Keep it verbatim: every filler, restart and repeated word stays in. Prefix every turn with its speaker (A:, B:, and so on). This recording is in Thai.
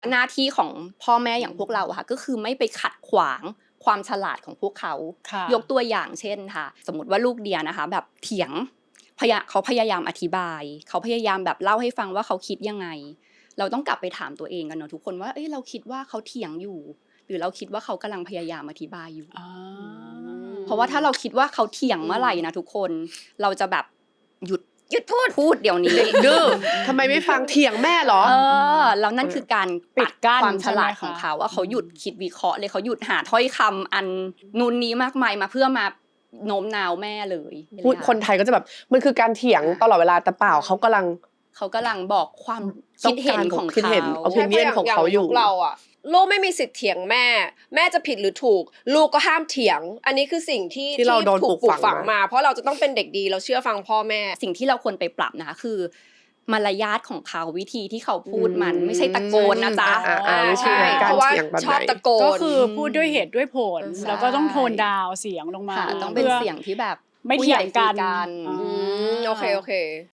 A: หน้าที่ของพ่อแม่อย่างพวกเราอะค่ะก็คือไม่ไปขัดขวางความฉลาดของพวกเขายกตัวอย่างเช่นค่ะสมมติว่าลูกเดียนะคะแบบเถียงพยาเขาพยายามอธิบายเขาพยายามแบบเล่าให้ฟังว่าเขาคิดยังไงเราต้องกลับไปถามตัวเองกันเนาะทุกคนว่าเอ้ยเราคิดว่าเขาเถียงอยู่หรือเราคิดว่าเขากำลังพยายามอธิบายอยู่เพราะว่าถ้าเราคิดว่าเขาเถียงเมื่อไหร่นะทุกคนเราจะแบบหยุดหยุดพูดพูดเดี๋ยวนี้
B: ดื้อทำไมไม่ฟังเถียงแม่หรอ
A: เออแล้วนั่นคือการปิดกั้นความฉลาดของเขาว่าเขาหยุดคิดวิเคราะห์เลยเขาหยุดหาถ้อยคำอันนู่นนี้มากมายมาเพื่อมาโน้มน้าวแม่เลย
B: พูดคนไทยก็จะแบบมันคือการเถียงตลอดเวลาแต่เปล่าเขากำลัง
A: เขากำลังบอกความคิดเห็นของเขา
B: opinion ของเขาอยู่
C: เราอะลูกไม่มีสิทธิ์เถียงแม่แม่จะผิดหรือถูกลูกก็ห้ามเถียงอันนี้คือสิ่งที่
B: ที่เราโดนปลูกฝัง
C: มาเพราะเราจะต้องเป็นเด็กดีเราเชื่อฟังพ่อแม่
A: สิ่งที่เราควรไปปรับนะคะคือมารยาทของเขาวิธีที่เขาพูดมันไม่ใช่ตะโกนนะจ๊ะ
B: ใช่เพราะว่า
C: ชอบตะโกน
D: ก็คือพูดด้วยเหตุด้วยผลแล้วก็ต้องโทนดาวเสียงลงมา
A: ต้องเป็นเสียงที่แบบ
D: ไม่เถียงกัน
C: โอเคโอเค